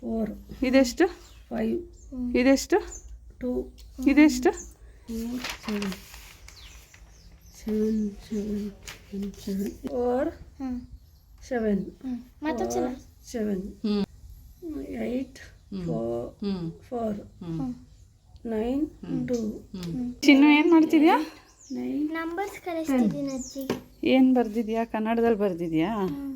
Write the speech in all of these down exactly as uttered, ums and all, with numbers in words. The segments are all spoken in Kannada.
ಫೋರ್. ಇದೆಷ್ಟು? ಫೈವ್. ಇದೆಷ್ಟು? ಟೂ. ಇದೆಷ್ಟು? Seven seven seven seven seven four seven seven eight four four nine two. ಚಿನ್ನು ಏನು ಮಾಡ್ತಿದ್ಯಾ? ನೈನ್ ನಂಬರ್ಸ್ ಕಲಿಸ್ತಿದ್ದೀನಿ ಅಜ್ಜಿ. ಏನು ಬರ್ದಿದ್ಯಾ? ಕನ್ನಡದಲ್ಲಿ ಬರ್ದಿದ್ಯಾ?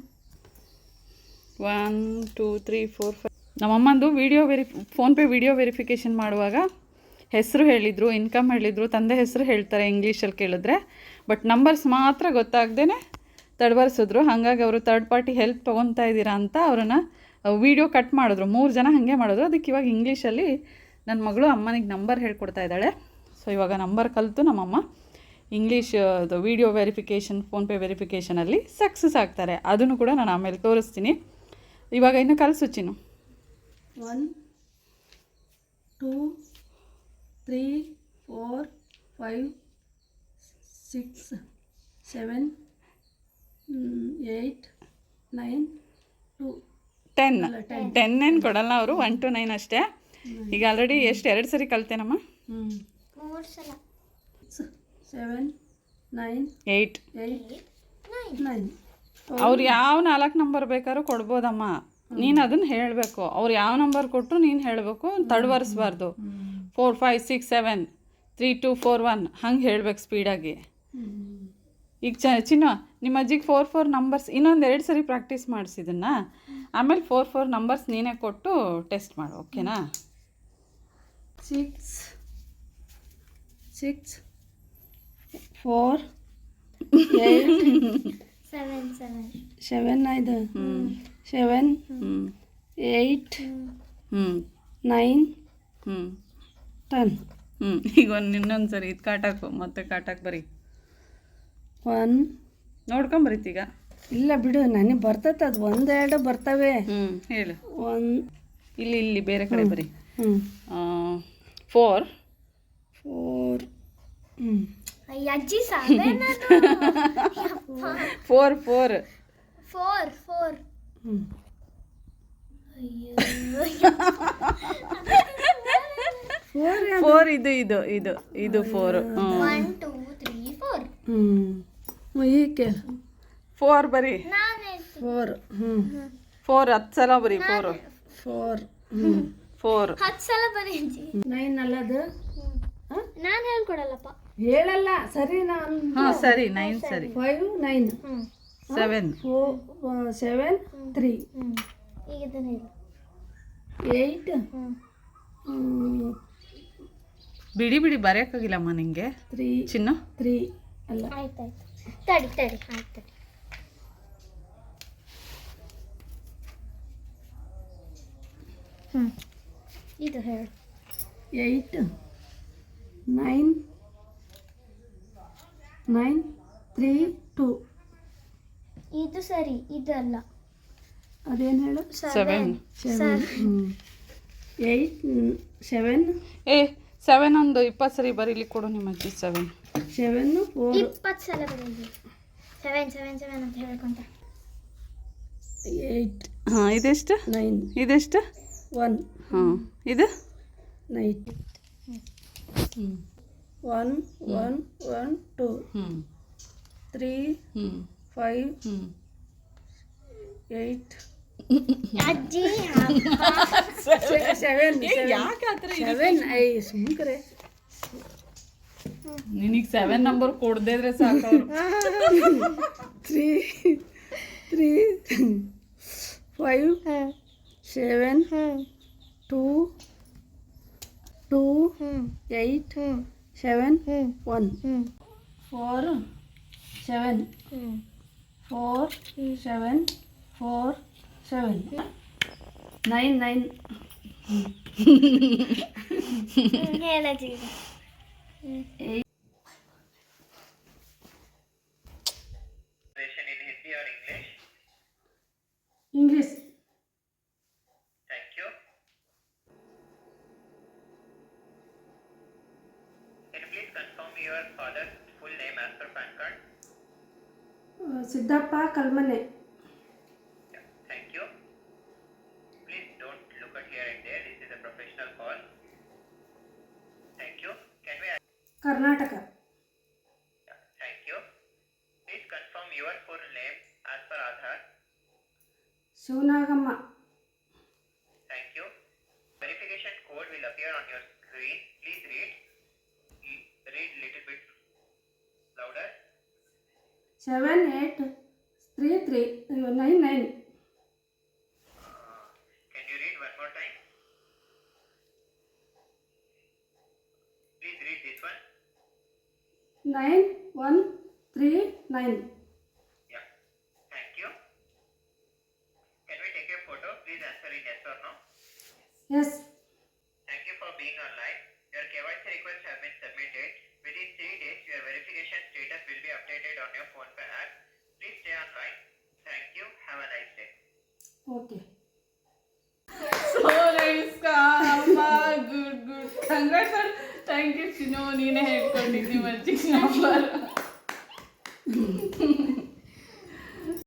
One two three four five. ನಮ್ಮಮ್ಮಂದು video very PhonePe video verification ಮಾಡುವಾಗ ಹೆಸರು ಹೇಳಿದರು, ಇನ್ಕಮ್ ಹೇಳಿದರು, ತಂದೆ ಹೆಸರು ಹೇಳ್ತಾರೆ ಇಂಗ್ಲೀಷಲ್ಲಿ ಕೇಳಿದ್ರೆ. ಬಟ್ ನಂಬರ್ಸ್ ಮಾತ್ರ ಗೊತ್ತಾಗ್ದೇ ತಡಬರ್ಸಿದ್ರು. ಹಾಗಾಗಿ ಅವರು ತರ್ಡ್ ಪಾರ್ಟಿ ಹೆಲ್ಪ್ ತೊಗೊತಾ ಇದ್ದೀರಾ ಅಂತ ಅವ್ರನ್ನ ವೀಡಿಯೋ ಕಟ್ ಮಾಡಿದ್ರು. ಮೂರು ಜನ ಹಾಗೆ ಮಾಡಿದ್ರು. ಅದಕ್ಕೆ ಇವಾಗ ಇಂಗ್ಲೀಷಲ್ಲಿ ನನ್ನ ಮಗಳು ಅಮ್ಮನಿಗೆ ನಂಬರ್ ಹೇಳ್ಕೊಡ್ತಾ ಇದ್ದಾಳೆ. ಸೊ ಇವಾಗ ನಂಬರ್ ಕಲಿತು ನಮ್ಮಮ್ಮ ಇಂಗ್ಲೀಷ್ ಅದು ವೀಡಿಯೋ ವೆರಿಫಿಕೇಷನ್ ಫೋನ್ಪೇ ವೆರಿಫಿಕೇಷನಲ್ಲಿ ಸಕ್ಸಸ್ ಆಗ್ತಾರೆ. ಅದನ್ನು ಕೂಡ ನಾನು ಆಮೇಲೆ ತೋರಿಸ್ತೀನಿ. ಇವಾಗ ಇನ್ನು ಕಲಿಸು ಚಿನ್ನು. One two three four five six seven eight nine two ten. Ten ಏನು ಕೊಡಲ್ಲ ಅವರು, ಒನ್ ಟು ನೈನ್ ಅಷ್ಟೇ. ಈಗ ಆಲ್ರೆಡಿ ಎಷ್ಟು ಎರಡು ಸರಿ ಕಲ್ತೇನಮ್ಮ? ಮೂರು ಸಲ. Seven nine eight eight nine. ಅವ್ರು ಯಾವ ನಾಲ್ಕು ನಂಬರ್ ಬೇಕಾದ್ರೂ ಕೊಡ್ಬೋದಮ್ಮ. ನೀನು ಅದನ್ನು ಹೇಳಬೇಕು. ಅವ್ರು ಯಾವ ನಂಬರ್ ಕೊಟ್ಟರು ನೀನು ಹೇಳಬೇಕು, ತಡವರಿಸ್ಬಾರ್ದು. Four five six seven three two four one ಹಂಗೆ ಹೇಳ್ಬೇಕು ಸ್ಪೀಡಾಗಿ. ಈಗ ಚ ಚಿನ್ನ ನಿಮ್ಮ ಅಜ್ಜಿಗೆ ಫೋರ್ ಫೋರ್ ನಂಬರ್ಸ್ ಇನ್ನೊಂದು ಎರಡು ಸರಿ ಪ್ರಾಕ್ಟೀಸ್ ಮಾಡಿಸಿದನ್ನ ಆಮೇಲೆ ಫೋರ್ ಫೋರ್ ನಂಬರ್ಸ್ ನೀನೇ ಕೊಟ್ಟು ಟೆಸ್ಟ್ ಮಾಡು, ಓಕೆನಾ? Six six four eight seven seven seven ಐದು ಸೆವೆನ್ ಏಯ್ಟ್ ಹ್ಞೂ ನೈನ್ ಹ್ಞೂ ಟೆನ್. ಹ್ಞೂ ಈಗ ಒಂದು ಇನ್ನೊಂದು ಸರಿ ಇದು ಕಾಟಾಕು, ಮತ್ತೆ ಕಾಟಾಕ್ ಬರೀ. ಒನ್ ನೋಡ್ಕೊಂಬರೀತೀಗ. ಇಲ್ಲ ಬಿಡು, ನನಗೆ ಬರ್ತೈತೆ ಅದು. ಒಂದೆರಡು ಬರ್ತವೆ. ಹ್ಞೂ ಹೇಳು. ಒನ್ ಇಲ್ಲಿ ಇಲ್ಲಿ ಬೇರೆ ಕಡೆ ಬರೀ. ಹ್ಞೂ ಫೋರ್ ಫೋರ್ ಹ್ಞೂ ಅಜ್ಜಿ seven four four four four ಹ್ಞೂ ಫೋರ್ ಫೋರ್ ಇದು ಇದು ಇದು ಇದು four. One two three four. ಹ್ಞೂ ಈಕೆ ಫೋರ್ ಬರೀ. ನಾನು ಫೋರ್. ಹ್ಞೂ ಫೋರ್ ಹತ್ತು ಸಲ ಬರೀ. ಫೋರು ಫೋರ್ ಹ್ಞೂ ಫೋರ್ ಹತ್ತು ಸಲ ಬರೀ ಅಜ್ಜಿ. ನೈನ್ ಅಲ್ಲದು ನಾನು ಹೇಳ್ಕೊಡಲ್ಲಪ್ಪ. ಹೇಳಲ್ಲ ಸರಿ. ನಾನು ಹಾಂ ಸರಿ, ನೈನ್ ಸರಿ. Five nine seven four seven three ಈಗ ಇದನ್ನ ಹೇಳು. ಏಯ್ಟ್ ಬಿಡಿ ಬಿಡಿ ಬರೆಯೋಕ್ಕಾಗಿಲ್ಲಮ್ಮ ನಿಂಗೆ ತ್ರೀ ಚಿನ್ನ. ತ್ರೀ ಅಲ್ಲ. ಆಯ್ತಾಯ್ತು, ತಡಿ ತಡಿ ಆಯ್ತು ತಡಿ. ಹ್ಞೂ ಇದು ಹೇಳು. Eight nine nine three two. ಇದು ಸರಿ, ಇದಲ್ಲ. ಅದೇನು ಹೇಳು? ಸೆವೆನ್ ಸೆವೆನ್ ಹ್ಞೂ ಏಯ್ಟ್ ಸೆವೆನ್. ಏ ಸೆವೆನ್ ಒಂದು ಇಪ್ಪತ್ತು ಸರಿ ಬರೀಲಿ ಕೊಡು ನಿಮ್ಮ ಅಜ್ಜಿ. ಸೆವೆನ್ ಸೆವೆನ್ನು ಫೋರ್ ಇಪ್ಪತ್ತು ಸಲ ಬರೀಲಿ. ಸೆವೆನ್ ಸೆವೆನ್ ಸೆವೆನ್ ಅಂತ ಹೇಳ್ಕೊಂತ. ಏಯ್ಟ್ ಹಾಂ ಇದೆಷ್ಟು? ನೈನ್ ಇದೆಷ್ಟು? ಒನ್. ಹಾಂ ಇದು ನೈನ್ ಹ್ಞೂ ಒನ್ ಒನ್ ಒನ್ ಟು ಹ್ಞೂ ತ್ರೀ ಹ್ಞೂ ಫೈವ್ ಹ್ಞೂ ಏಯ್ಟ್ ಅಜ್ಜಿ ಸೆವೆನ್ ಯಾಕೆ ಆ ಥರ ಸೆವೆನ್ ಐ ಸುಮ್ಕರೆ. ನಿನಗೆ ಸೆವೆನ್ ನಂಬರ್ ಕೊಡದೇ ಇದ್ರೆ ಸಾಕು ಅವರು. Three three five seven two two eight seven one four seven four seven four seven nine nine. ಹೇಳಜ್ಜಿ. English. Thank you. Can you please confirm your father's full name as per PAN card? Siddappa Kalmane. Yeah, thank you. Please don't look at Karnataka. Yeah, thank you. Please confirm your full name as per Aadhaar. Shivanagamma. Thank you. Verification code will appear on your screen. Please read. L- Read little bit louder. Seven eight three three nine nine. Uh, can you read one more time? Please read this one. Nine one three nine. Yeah. Thank you. Can we take a photo? Please answer in yes or no. Yes. Thank you for being online. Your K Y C request has been submitted. Within three days, your verification status will be updated on your PhonePe app. Please stay online. Thank you. Have a nice day. Okay. So nice ಅಮ್ಮ, good good congrats. Thank you ಚಿನ್ನು, ನೀನೇ ಹೇಳ್ಕೊಂಡಿದ್ದಿ ಮಜ್ಜಿಗೆ ನಂಬರ್.